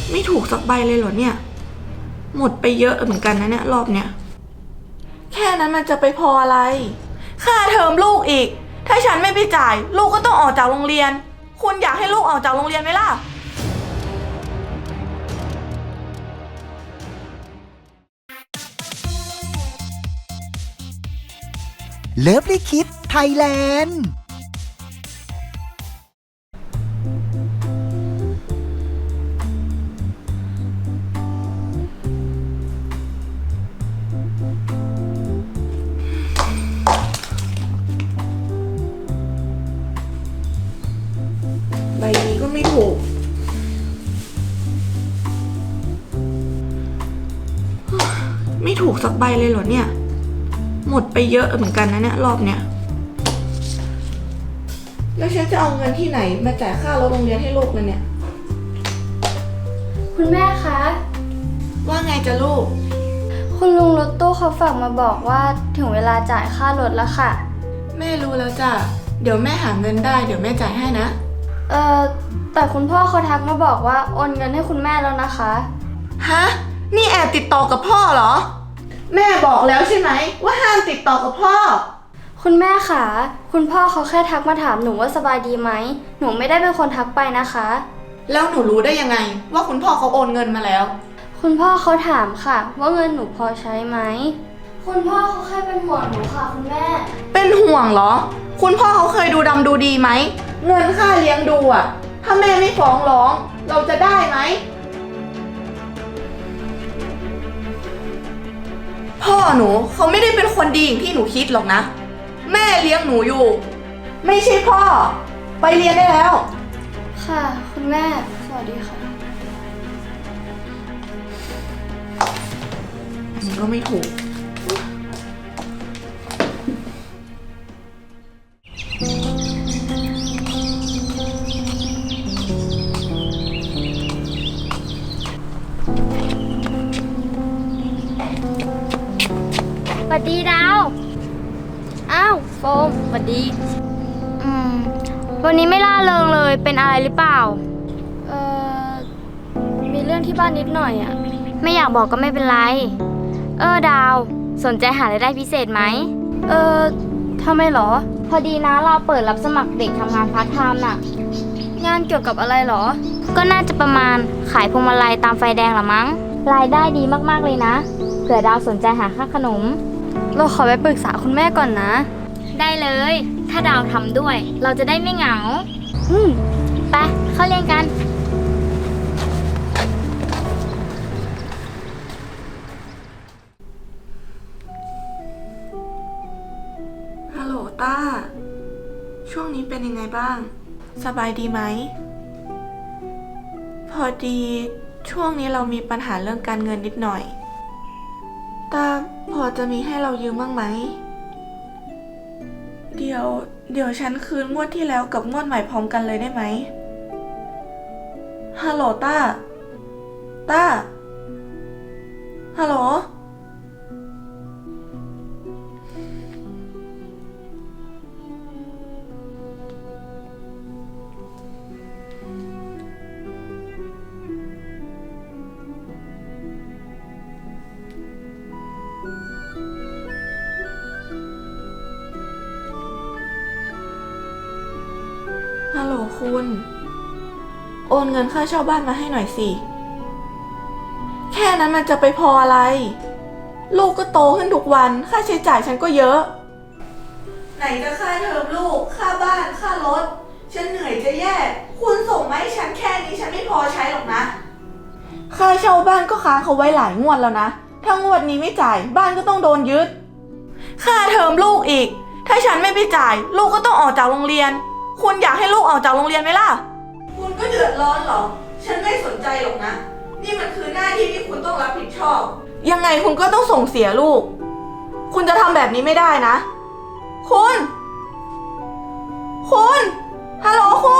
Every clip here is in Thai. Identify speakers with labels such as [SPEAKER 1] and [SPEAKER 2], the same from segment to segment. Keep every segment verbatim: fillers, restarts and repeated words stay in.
[SPEAKER 1] ไม่ถูกสักใบเลยเหรอเนี่ยหมดไปเยอะเหมือนกันนะเนี่ยรอบเนี้ยแค่นั้นมันจะไปพออะไรค่าเทอมลูกอีกถ้าฉันไม่ไปจ่ายลูกก็ต้องออกจากโรงเรียนคุณอยากให้ลูกออกจากโรงเรียนไหมล่ะ
[SPEAKER 2] เลิฟลิคิดไทยแลนด์
[SPEAKER 1] ใบนี้ก็ไม่ถูกไม่ถูกสักใบเลยเหรอเนี่ยหมดไปเยอะเหมือนกันนะเนี่ยรอบเนี้ยแล้วฉันจะเอาเงินที่ไหนมาจ่ายค่ารถโรงเรียนให้ลูกเลยเนี่ย
[SPEAKER 3] คุณแม่คะ
[SPEAKER 1] ว่าไงจะลูก
[SPEAKER 3] คุณลุงรถตู้เขาฝากมาบอกว่าถึงเวลาจ่ายค่ารถแล้วค่ะ
[SPEAKER 1] แม่รู้แล้วจ้ะเดี๋ยวแม่หาเงินได้เดี๋ยวแม่จ่ายให้นะ
[SPEAKER 3] เอ่อแต่คุณพ่อเขาทักมาบอกว่าโอนเงินให้คุณแม่แล้วนะคะ
[SPEAKER 1] ฮะนี่แอบติดต่อกับพ่อเหรอแม่บอกแล้วใช่ไหมว่าห้ามติดต่อกับพ่อ
[SPEAKER 3] คุณแม่คะคุณพ่อเขาแค่ทักมาถามหนูว่าสบายดีไหมหนูไม่ได้เป็นคนทักไปนะคะ
[SPEAKER 1] แล้วหนูรู้ได้ยังไงว่าคุณพ่อเขาโอนเงินมาแล้ว
[SPEAKER 3] คุณพ่อเขาถามค่ะว่าเงินหนูพอใช้ไหมคุณพ่อเขาแค่เป็นห่วงหนูค่ะคุณแม่
[SPEAKER 1] เป็นห่วงเหรอคุณพ่อเขาเคยดูดำดูดีไหมเงินค่าเลี้ยงดูอะถ้าแม่ไม่ฟ้องร้องเราจะได้ไหมพ่อหนูเขาไม่ได้เป็นคนดีอย่างที่หนูคิดหรอกนะแม่เลี้ยงหนูอยู่ไม่ใช่พ่อไปเรียนได้แล้ว
[SPEAKER 3] ค่ะคุณแม่สวัสดีค่ะ
[SPEAKER 1] มันก็ไม่ถูก
[SPEAKER 3] สวัสดีดาวอ้าวโฟมสวัสดีอืมวันนี้ไม่ล่าเริงเลยเป็นอะไรหรือเปล่าเอ่อมีเรื่องที่บ้านนิดหน่อยอ่ะไม่อยากบอกก็ไม่เป็นไรเออดาวสนใจหารายได้พิเศษไหมเออทำไมหรอพอดีนะเราเปิดรับสมัครเด็กทำงานพาร์ทไทม์น่ะงานเกี่ยวกับอะไรหรอก็น่าจะประมาณขายพวงมาลัยตามไฟแดงหรอมั้งรายได้ดีมากๆเลยนะเผื่อดาวสนใจหาค่าขนมเราขอไปปรึกษาคุณแม่ก่อนนะได้เลยถ้าดาวทำด้วยเราจะได้ไม่เหงาอืมไปเข้าเรียนกัน
[SPEAKER 1] ฮัลโหลต้าช่วงนี้เป็นยังไงบ้างสบายดีไหมพอดีช่วงนี้เรามีปัญหาเรื่องการเงินนิดหน่อยต้าพอจะมีให้เรายืมบ้างไหมเดี๋ยวเดี๋ยวฉันคืนงวดที่แล้วกับงวดใหม่พร้อมกันเลยได้ไหมฮัลโหลต้าต้าฮัลโหลฮัลโหลคุณโอนเงินค่าเช่าบ้านมาให้หน่อยสิแค่นั้นมันจะไปพออะไรลูกก็โตขึ้นทุกวันค่าใช้จ่ายฉันก็เยอะไหนจะค่าเทอมลูกค่าบ้านค่ารถฉันเหนื่อยจะแย่คุณส่งมาให้ฉันแค่นี้ฉันไม่พอใช้หรอกนะค่าเช่าบ้านก็ค้างเขาไว้หลายงวดแล้วนะถ้างวดนี้ไม่จ่ายบ้านก็ต้องโดนยึดค่าเทอมลูกอีกถ้าฉันไม่ไปจ่ายลูกก็ต้องออกจากโรงเรียนคุณอยากให้ลูกออกจากโรงเรียนไหมล่ะคุณก็เดือดร้อนหรอฉันไม่สนใจหรอกนะนี่มันคือหน้าที่ที่คุณต้องรับผิดชอบยังไงคุณก็ต้องส่งเสียลูกคุณจะทำแบบนี้ไม่ได้นะคุณคุณฮัลโหลคุณ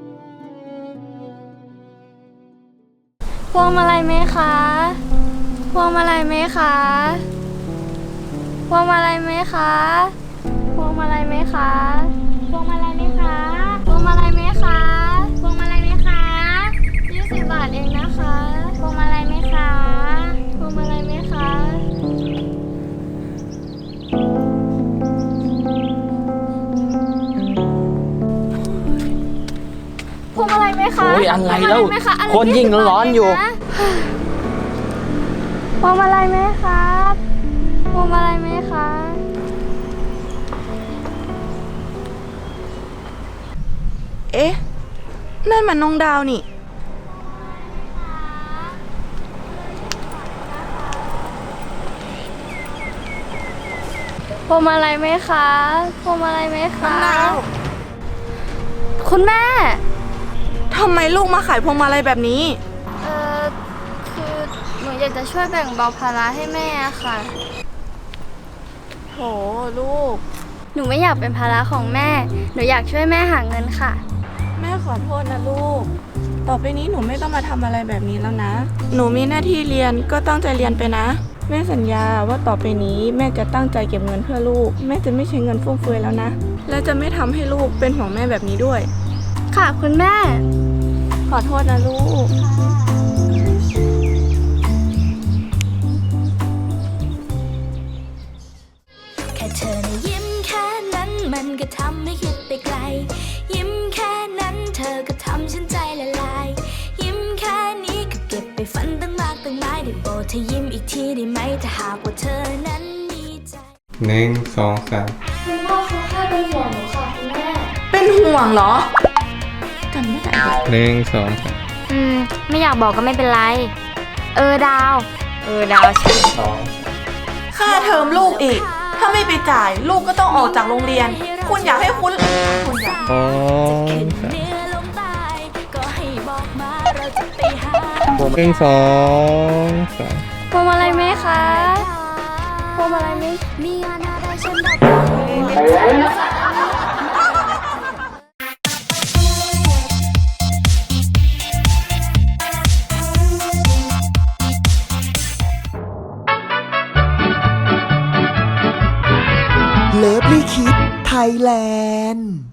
[SPEAKER 3] พวงมาลัยไหมคะพวงมาลัยไหมคะพวงมาลัยไหมคะพวงมาลัยไหมคะพวงมาลัยไหมคะพวงมาลัยไหมคะพวงมาลัยไหมคะยี่สิบบาทเองนะคะพวงมาลัยไหมคะพวงมาลัยไหมคะพวงมาลัยไหมคะ
[SPEAKER 4] โอ้ยอะไรแล้ว
[SPEAKER 3] พงมาลัยไหมคะอะไร
[SPEAKER 4] คนยิ่งร้อนอยู่
[SPEAKER 3] พวงมาลัยไหมครับพวงมาลัยไหมคะ
[SPEAKER 1] เอ๊ะนั่นมันน้องดาวนี่
[SPEAKER 3] พวงมาลัยไหมคะพวงมาลัยไหมคะ
[SPEAKER 1] น้องดาว
[SPEAKER 3] คุณแม่
[SPEAKER 1] ทำไมลูกมาขายพวงมาลัยแบบนี้
[SPEAKER 3] เอ่อ คือหนูอยากจะช่วยแบ่งเบาภาระให้แม่ค่ะ
[SPEAKER 1] โหลูก
[SPEAKER 3] หนูไม่อยากเป็นภาระของแม่ หนูอยากช่วยแม่หาเงินค่ะ
[SPEAKER 1] แม่ขอโทษนะลูก ต่อไปนี้หนูไม่ต้องมาทำอะไรแบบนี้แล้วนะ หนูมีหน้าที่เรียนก็ตั้งใจเรียนไปนะ แม่สัญญาว่าต่อไปนี้แม่จะตั้งใจเก็บเงินเพื่อลูก แม่จะไม่ใช้เงินฟุ่มเฟือยแล้วนะ และจะไม่ทำให้ลูกเป็นห่วงแม่แบบนี้ด้วย
[SPEAKER 3] ค่ะคุณแม่
[SPEAKER 1] ขอโทษนะลูก
[SPEAKER 5] แค่เธอนะยิ้มแค่นั้นมันก็ทำให้คิดไปไกล ยิ้มแค่นั้นเธอก็ทำฉันใจละลาย ยิ้มแค่นี้ก็เก็บไปฝันตั้งมากตั้งหลายได้โปรดเธอยิ้มอีกทีได้ไหมถ้าหากว่าเธอนั้นมีใจ
[SPEAKER 6] หนึ่งสองสาม
[SPEAKER 3] คุณพ่อเขาแค่เป็นห่วงหนูค่ะคุณแม่
[SPEAKER 1] เป็นห่วงเหรอจำไม่ได้เลย
[SPEAKER 6] หนึ่งสองสาม
[SPEAKER 3] อืม ไม่อยากบอกก็ไม่เป็นไร เออดาว เออดาวใช่
[SPEAKER 6] สอง
[SPEAKER 1] ค่าเทอมลูกอีก ถ้าไม่ไปจ่ายลูกก็ต้องออกจากโรงเรียน คุณอยากให้คุณคุณอยาก
[SPEAKER 6] สองสาม
[SPEAKER 5] เหนือลงใต้ก็ให้บอกมาเราจะไปหา
[SPEAKER 6] หนึ่งสองสาม
[SPEAKER 3] พวงมาลัยไหมคะพวงมาลัยไหม
[SPEAKER 5] มีงานอะไรฉันบอกเลย
[SPEAKER 2] เลิฟลี่คิดไทยแลนด์